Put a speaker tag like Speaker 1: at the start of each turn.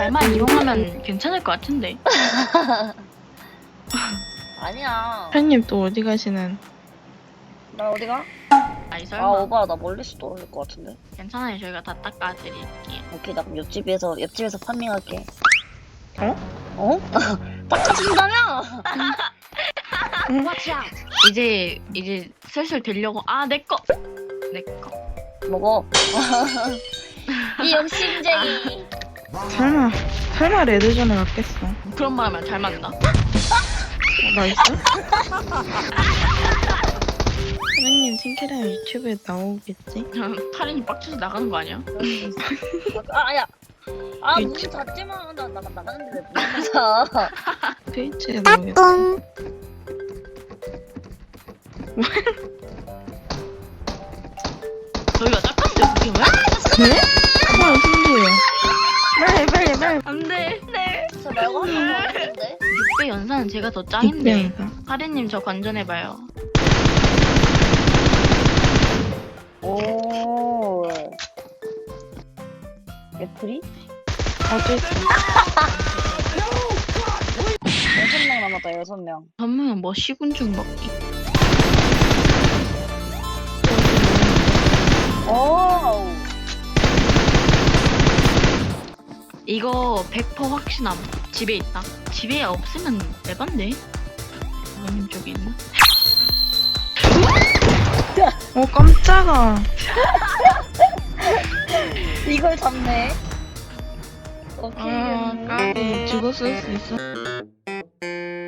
Speaker 1: 잘만 이용하면 괜찮을 것 같은데.
Speaker 2: 아니야.
Speaker 3: 팬님 또 어디 가시는?
Speaker 2: 나 어디가?
Speaker 1: 아니
Speaker 2: 아,
Speaker 1: 설마.
Speaker 2: 오빠, 나 멀리서 떨어질 것 같은데.
Speaker 1: 괜찮아요. 저희가 다 닦아드릴게요.
Speaker 2: 오케이, 나 그럼 옆집에서 판매할게.
Speaker 3: 어?
Speaker 2: 어? 닦아준다며?
Speaker 1: 이제 슬슬 되려고. 아, 내 거.
Speaker 2: 먹어. 이 욕심쟁이.
Speaker 3: 설마 레드존에 갔겠어.
Speaker 1: 그런 말 하면 잘 맞나?
Speaker 3: 나이스. 선생님 팅키랑 유튜브에 나오겠지?
Speaker 1: 타린이 빡쳐서 나가는 거 아니야?
Speaker 2: 아, 야. 아, 문 닫지 마. 나 나가는데 왜문 닫아?
Speaker 3: 트위치에 나오겠지?
Speaker 1: 저희가 닦았는데 그게 왜?
Speaker 3: 네? 헐, 신기해. 빨리.
Speaker 1: 안돼. 네.
Speaker 2: 저 말고 하는 거 같은데?
Speaker 1: 6배 연산은 제가 더 짱인데.
Speaker 3: 빅뱅이가.
Speaker 1: 타린님 저 관전해봐요.
Speaker 2: 오. 애플이?
Speaker 3: 어쨌든
Speaker 2: 6명 남았다, 6명.
Speaker 1: 전무는 뭐 시군중 먹기.
Speaker 2: 오.
Speaker 1: 이거 100% 확신함. 집에 있다. 집에 없으면 에반데? 부모님 쪽에 있나?
Speaker 3: 깜짝아.
Speaker 2: 이걸 잡네. 오케이.
Speaker 3: 까비 죽었을 수 있어.